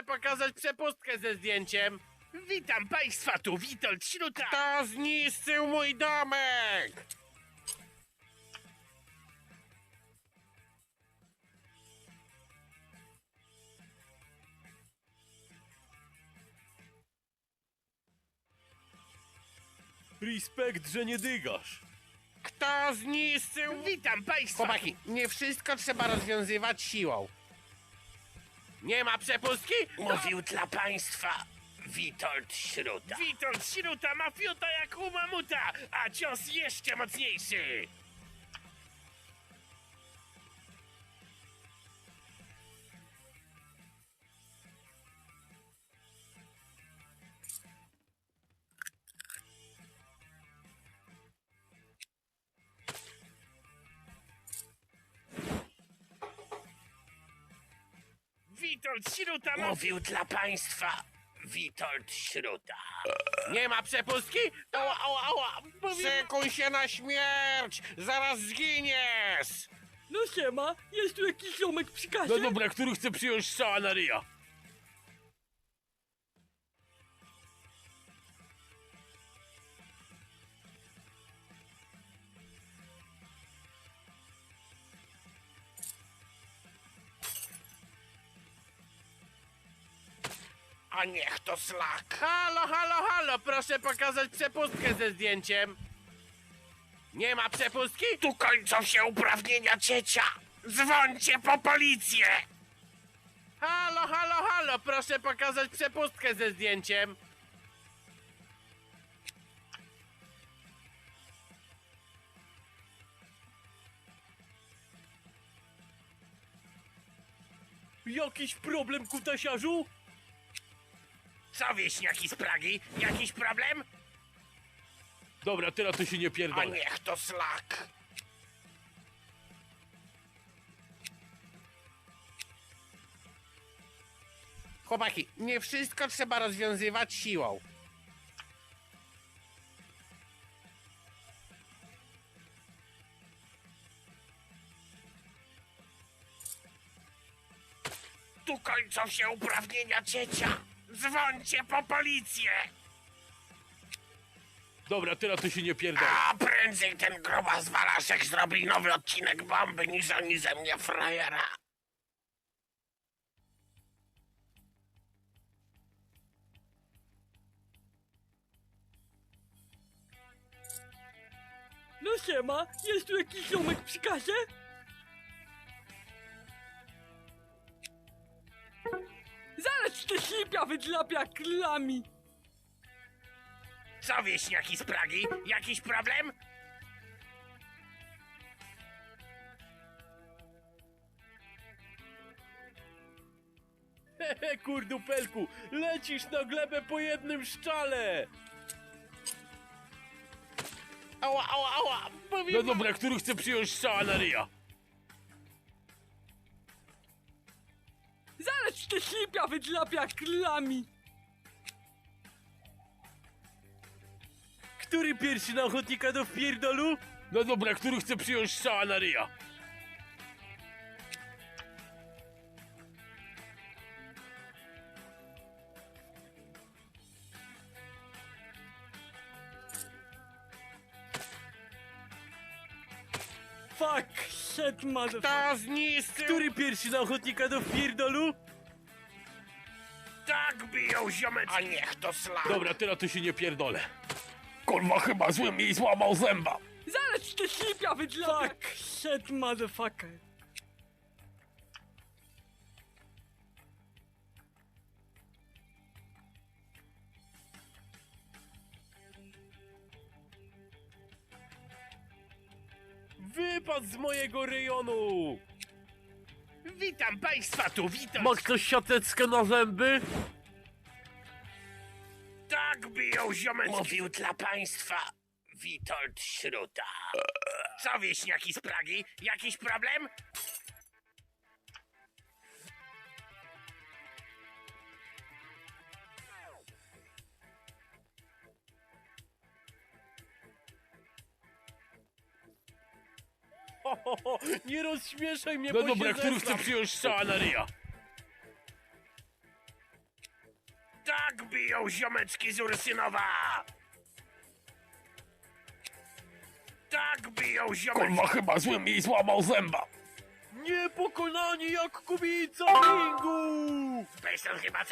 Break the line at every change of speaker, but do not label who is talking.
Proszę pokazać przepustkę ze zdjęciem.
Witam państwa, tu Witold Śruta.
Kto zniszczył mój domek?
Respekt, że nie dygasz.
Kto zniszczył...
Witam państwa.
Chłopaki, nie wszystko trzeba rozwiązywać siłą. Nie ma przepustki?
Mówił dla państwa Witold Śruta. Witold Śruta ma fiuta jak u mamuta, a cios jeszcze mocniejszy. Witold Śruta mówił dla państwa Witold Śruta.
Nie ma przepustki?
Ała, ała, ała.
Szykuj się na śmierć! Zaraz zginiesz!
No siema, jest tu jakiś ziomek przy kasie?
No dobra, który chce przyjąć strzała na ryja?
A niech to slak.
Halo, halo, halo! Proszę pokazać przepustkę ze zdjęciem. Nie ma przepustki?
Tu kończą się uprawnienia ciecia. Dzwońcie po policję.
Halo, halo, halo! Proszę pokazać przepustkę ze zdjęciem.
Jakiś problem, kutasiarzu?
Co wieśniaki z Pragi? Jakiś problem?
Dobra, teraz to się nie
A
pierdolę.
niech to slak.
Chłopaki, nie wszystko trzeba rozwiązywać siłą.
Tu kończą się uprawnienia ciecia. Dzwońcie po policję.
Dobra, teraz to się nie pierdolę.
A prędzej ten grubas Walaszek zrobi nowy odcinek bomby niż oni ze mnie frajera.
No siema, jest tu jakiś ziomek przy kasie? Zaraz te ślipia wydlapia klami.
Co wieśniaki z Pragi? Jakiś problem?
Hehe, kurdupelku, lecisz na glebę po jednym szczale.
Ała, ała, ała!
No dobra, który chce przyjąć strzała na ryja?
Zaraz te ślipia wydlapia klami.
Który pierwszy na ochotnika do wpierdolu? No dobra, który chce przyjąć strzała na ryja?
Fuck, shit, motherfucker.
Kto zniszczył...
Który pierwszy na ochotnika do wpierdolu?
Tak biją ziomeczki. A niech to slak.
Dobra, teraz to się nie pierdolę. Kurwa, chyba złym jej złamał zęba.
Zaraz te ślipia wydlapia. Fuck, shit, motherfucker.
Wypadł z mojego rejonu.
Witam państwa, tu Witold.
Ma ktoś siateczkę na zęby?
Tak biją ziomeczki. Mówił dla państwa Witold Śruta. Co wieśniaki z Pragi? Jakiś problem?
Nie rozśmieszaj mnie,
No
bo
dobra,
się
który
zesram.
chce przyjąć strzała na ryja?
Tak biją ziomeczki z Ursynowa! Tak biją ziomeczki!
Kurwa, chyba zły mi złamał zęba.
Niepokonani jak kubica ringu!
Bejston chyba